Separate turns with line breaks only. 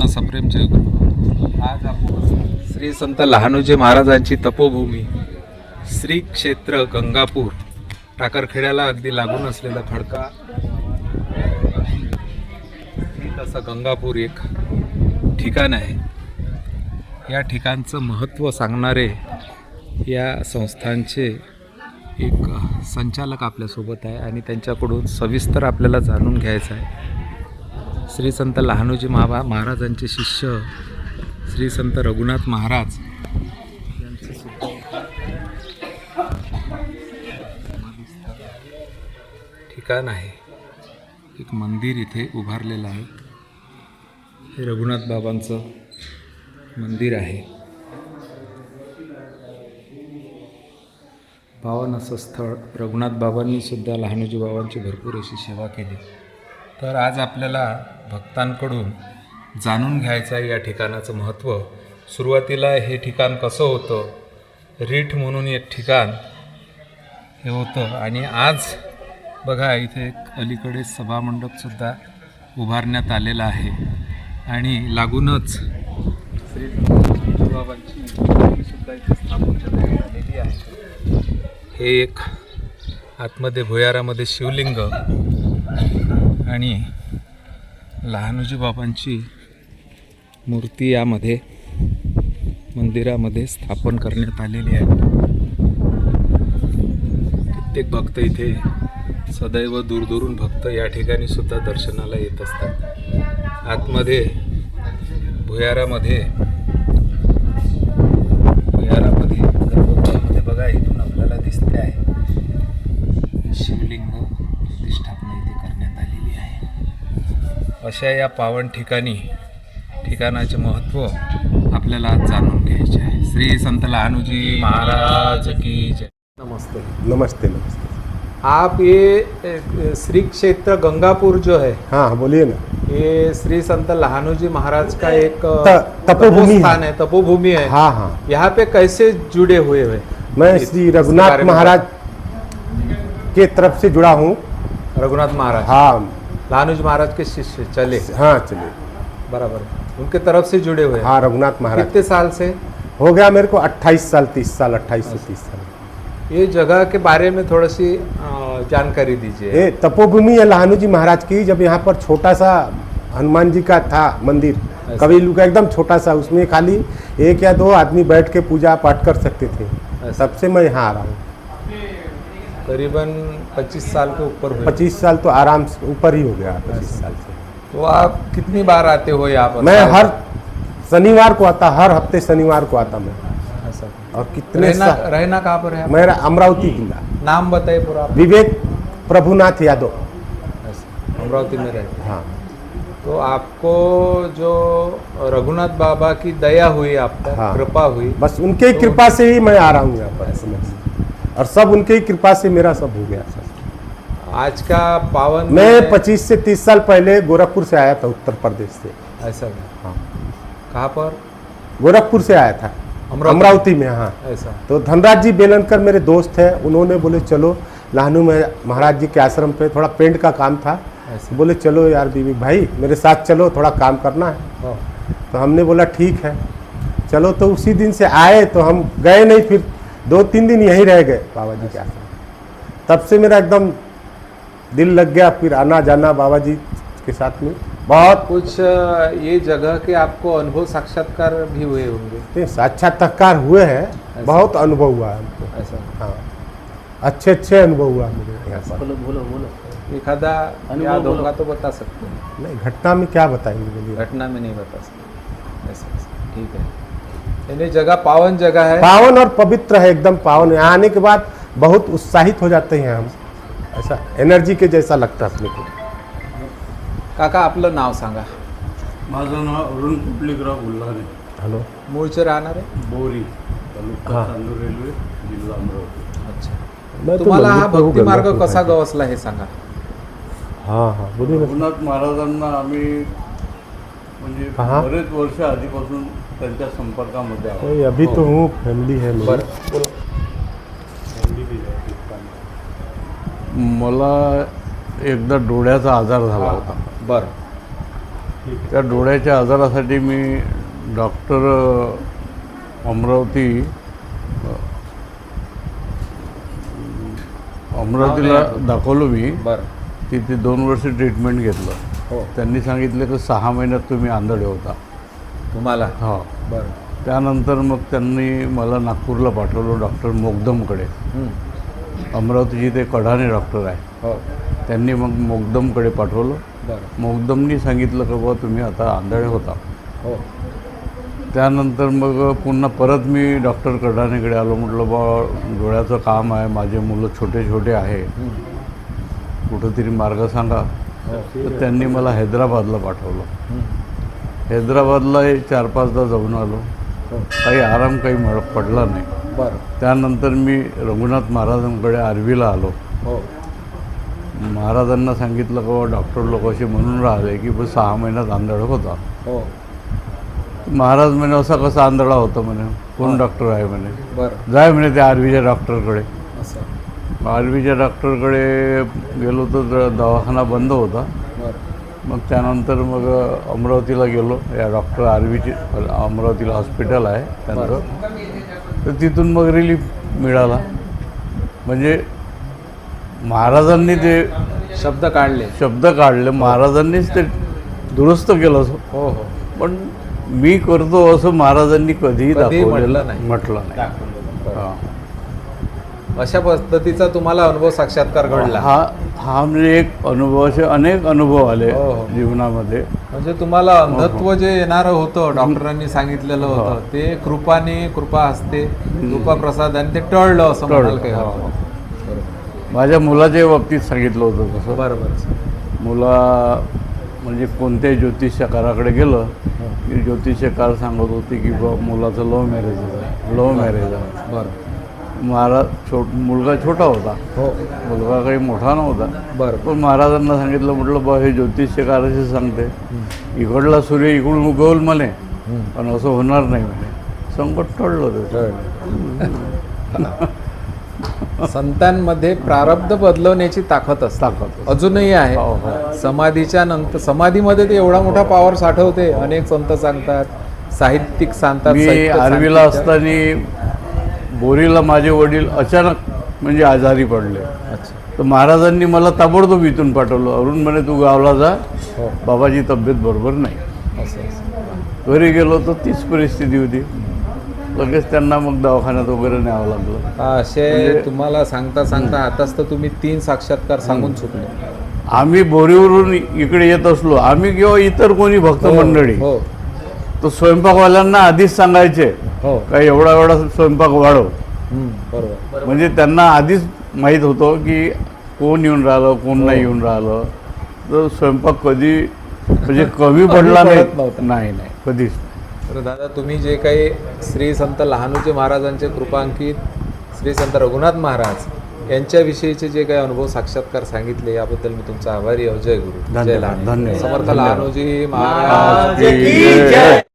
सप्रेम जयगुरु. आज आपण श्री संत लहानोजी महाराजांची तपोभूमी श्री क्षेत्र गंगापूर टाकरखेड्याला अगदी लागून असलेला खडका तसा गंगापूर एक ठिकाण आहे. या ठिकाणचं महत्त्व सांगणारे या संस्थांचे एक संचालक आपल्यासोबत आहे आणि त्यांच्याकडून सविस्तर आपल्याला जाणून घ्यायचं आहे. श्री संत लहानोजी महाराजांचे शिष्य श्री संत रघुनाथ महाराज यांचे सुद्धा ठिकाण आहे. एक मंदिर इथे उभारलेलं आहे. हे रघुनाथ बाबांचं मंदिर आहे. पावन असं स्थळ. रघुनाथ बाबांनी सुद्धा लहानोजी बाबांची भरपूर अशी सेवा केली. तर आज आपल्याला भक्तांकडून जाणून घ्यायचं आहे या ठिकाणाचं महत्त्व. सुरुवातीला हे ठिकाण कसं होतं, रीठ म्हणून एक ठिकाण हे होतं आणि आज बघा इथे एक अलीकडे सभामंडपसुद्धा उभारण्यात आलेला आहे आणि लागूनच श्री बाबांची सुद्धा इथे स्थापना करण्यात आलेली आहे. हे एक आतमध्ये भुयारामध्ये शिवलिंग आणि लहानोजी बाबांची मूर्ती यामध्ये मंदिरामध्ये स्थापन करण्यात आलेली आहे. कित्येक भक्त इथे सदैव दूरदूरून भक्त या ठिकाणी सुद्धा दर्शनाला येत असतात. आतमध्ये भुयारामध्ये गर्भगृहामध्ये बघा इथून आपल्याला दिसते आहे शिवलिंग प्रतिष्ठापना इथे करण्यात आलेली आहे. अशा या पावन ठिकाणाचे महत्त्व आपल्याला आज जाणून घ्यायचे आहे. श्री संत लहानोजी महाराज की जय.
नमस्ते.
नमस्ते नमस्ते.
आप ये श्री क्षेत्र गंगापुर जो है,
हाँ बोलिए ना.
ये श्री संत लहानोजी महाराज का एक
तपोभूमि
स्थान है, तपोभूमि है.
हाँ हाँ.
यहाँ पे कैसे जुड़े हुए हैं?
मैं श्री रघुनाथ महाराज के तरफ से जुड़ा हूँ.
रघुनाथ महाराज,
हाँ,
लहानोजी महाराज के शिष्य चले.
हाँ चलिए.
बराबर, उनके तरफ से जुड़े हुए हैं.
हाँ, रघुनाथ महाराज.
कितने साल से?
हो गया मेरे को 28 साल 30 साल 28 से 30 साल.
ये जगह के बारे में थोड़ी सी जानकारी दीजिए.
ये तपोभूमि है लहानोजी महाराज की. जब यहाँ पर छोटा सा हनुमान जी का था मंदिर, कबीलू का एकदम छोटा सा, उसमें खाली 1 या 2 आदमी बैठ के पूजा पाठ कर सकते थे. तब से मैं यहाँ आ रहा हूँ.
करीबन 25 साल के ऊपर हुए.
25 साल तो आराम से ऊपर ही हो गया. 25 साल से.
तो आप कितनी बार आते हो यहाँ पर?
मैं हर शनिवार को आता, हर हफ्ते शनिवार को आता मैं.
ऐसा.
और कितने
रहना कहाँ पर है?
मेरा अमरावती जिला.
नाम बताइए पूरा.
विवेक प्रभुनाथ यादव.
अमरावती में रहते.
हाँ.
तो आपको जो रघुनाथ बाबा की दया हुई, आप पर
हाँ.
कृपा हुई,
बस उनके ही कृपा से ही मैं आ रहा हूँ यहाँ पर. और सब उनके ही कृपा से मेरा सब हो गया.
आज का पावन
मैं 25 से 30 साल पहले गोरखपुर से आया था, उत्तर प्रदेश से.
ऐसा.
हाँ.
कहाँ पर?
गोरखपुर से आया था, अमरावती में. हाँ.
ऐसा.
तो धनराज जी बेलनकर मेरे दोस्त हैं, उन्होंने बोले चलो लहानू में महाराज जी के आश्रम पे थोड़ा पेंट का काम था. बोले चलो यार बीबी भाई मेरे साथ चलो, थोड़ा काम करना है. तो हमने बोला ठीक है चलो. तो उसी दिन से आए तो हम गए नहीं, फिर 2-3 दिन यहीं रह गए बाबा जी के आश्रम. तब से मेरा एकदम दिल लग गया, फिर आना जाना बाबा जी के साथ में. बहुत
कुछ ये जगह के आपको अनुभव साक्षात्कार भी हुए होंगे.
साक्षात्कार हुए हैं, बहुत अनुभव हुआ है हमको.
ऐसा.
हाँ, अच्छे अनुभव हुआ मुझे यहाँ पर.
बोलो. एखादा याद होगा तो बता सकते हैं.
नहीं, घटना में क्या बताएंगे बोलिए.
घटना में नहीं बता सकते. ऐसा. ठीक है. यानी जगह पावन जगह है.
पावन और पवित्र है, एकदम पावन. यहाँ आने के बाद बहुत उत्साहित हो जाते हैं हम. ऐसा एनर्जी के जैसा लगता है अपने को.
काका आपलं नाव सांगा.
माझं नाव अरुण कुपलीकराव गुल्हाने.
हॅलो.
मूळचे राहणार आहे.
बोरी तालुका
हाँ.
चांदूर रेल्वे जिल्हा अमरावती.
अच्छा.
मैं तो
तुम्हाला हा
मंदिर पे हूँ,
भक्ती मार्ग
गंगापुर
कसा
साइड.
गवसला हे सांगा.
हाँ हाँ बोलिए ना.
रघुनाथ महाराजांना आम्ही म्हणजे
कहाँ?
बरेच वर्ष आधीपासून त्यांच्या संपर्कामध्ये आहोत.
नहीं, अभी तो हूँ, फैमिली है मेरी.
बरं बोलो.
मला एकदा डोळ्याचा आजार झाला होता.
बरं.
त्या डोळ्याच्या आजारासाठी मी डॉक्टर अमरावतीला दाखवलो मी.
बरं.
तिथे 2 वर्ष ट्रीटमेंट घेतलं.
हो.
त्यांनी सांगितलं की 6 महिन्यात तुम्ही आंधळे होता.
तुम्हाला
हो.
बरं.
त्यानंतर मग त्यांनी मला नागपूरला पाठवलं डॉक्टर मोगदमकडे. अमरावतीचे ते कढाणे डॉक्टर आहे.
हो.
त्यांनी मग मोगदमकडे पाठवलं.
बरं.
मोगदमनी सांगितलं की बाबा तुम्ही आता आंधळे होता.
हो.
त्यानंतर मग पुन्हा परत मी डॉक्टर कढाणेकडे आलो. म्हटलं बा डोळ्याचं काम आहे, माझे मुलं छोटे छोटे आहे, कुठंतरी मार्ग सांगा. तर त्यांनी मला हैदराबादला पाठवलं. हैदराबादला 4-5दा जाऊन आलो. काही आराम काही पडला नाही.
बरं.
त्यानंतर मी रघुनाथ महाराजांकडे आर्वीला आलो.
हो.
महाराजांना सांगितलं की बाबा डॉक्टर लोक असे म्हणून राहिले की 6 महिन्यात आंधळा होता.
हो.
महाराज म्हणे असा कसा आंधळा होता म्हणे, कोण डॉक्टर आहे म्हणे.
बरं.
जाय म्हणे त्या आर्वीच्या डॉक्टरकडे.
असं.
आर्वीच्या डॉक्टरकडे गेलो तर दवाखाना बंद होता.
बरं.
मग त्यानंतर मग अमरावतीला गेलो. या डॉक्टर आर्वीची अमरावतीला हॉस्पिटल आहे त्यांचं. तर तिथून मग रिलीफ मिळाला. म्हणजे महाराजांनी ते
शब्द काढले.
महाराजांनीच ते दुरुस्त केलं.
हो. हो.
पण मी करतो असं महाराजांनी कधीही
म्हटलं नाही.
म्हटलं नाही.
बरं.
हां.
अशा पद्धतीचा तुम्हाला अनुभव साक्षात्कार घडला.
हा म्हणजे एक अनुभव, असे अनेक अनुभव आले
हो, हो.
जीवनामध्ये.
म्हणजे तुम्हाला अंधत्व जे येणारं होतं डॉक्टरांनी सांगितलेलं होतं ते कृपा हस्ते कृपा प्रसादाने ते टळलं असं म्हणाल काही
हो.
हरकत नाही.
माझ्या मुलाच्या बाबतीत सांगितलं होतं तसं.
बरोबर.
मुला म्हणजे कोणत्याही ज्योतिषकाराकडे गेलं की ज्योतिषकार सांगत होते की बा मुलाचं लव्ह मॅरेज आहे.
बरं.
महाराज मुलगा छोटा होता.
हो.
मुलगा काही मोठा नव्हता.
बरं.
पण महाराजांना सांगितलं, म्हटलं बा हे ज्योतिषकाराशी सांगते इकडला सूर्य इकडून उगवल म्हणे, पण असं होणार नाही म्हणे. संकट टळलं ते.
संतांमध्ये प्रारब्ध बदलवण्याची ताकद अजूनही आहे.
हो, हो.
समाधीच्या नंतर समाधीमध्ये ते एवढा मोठा पॉवर साठवते. अनेक संत सांगतात, साहित्यिक सांगतात.
मी
साहित्य
आर्वीला
सांगतात.
असताना बोरीला माझे वडील अचानक म्हणजे आजारी पडले.
अच्छा.
तर महाराजांनी मला ताबडतोब इथून पाठवलं. अरुण म्हणे तू गावला जा,
हो.
बाबाची तब्येत बरोबर नाही.
असं.
घरी गेलो तर तीच परिस्थिती होती. लगेच त्यांना मग दवाखान्यात वगैरे न्यावं लागलं.
असे तुम्हाला सांगता आताच तर तुम्ही 3 साक्षात्कार सांगून चुकले.
आम्ही बोरीवरून इकडे येत असलो, आम्ही किंवा इतर कोणी भक्त मंडळी,
हो.
तर स्वयंपाकवाल्यांना आधीच सांगायचे
हो.
का एवढा स्वयंपाक वाढव.
बरोबर.
म्हणजे त्यांना आधीच माहीत होतं की कोण येऊन राहिलं, कोण नाही येऊन राहिलं. तर स्वयंपाक कधी म्हणजे कमी पडला
पडत नव्हता.
नाही कधीच.
तर दादा तुम्ही जे काही श्री संत लहानूजी महाराजांचे कृपांकित श्री संत रघुनाथ महाराज यांच्याविषयीचे जे काही अनुभव साक्षात्कार सांगितले याबद्दल मी तुमचा आभारी आहे. जय गुरु. जय लहानू.
धन्यवाद.
समर्थ लहानूजी महाराज
की जय.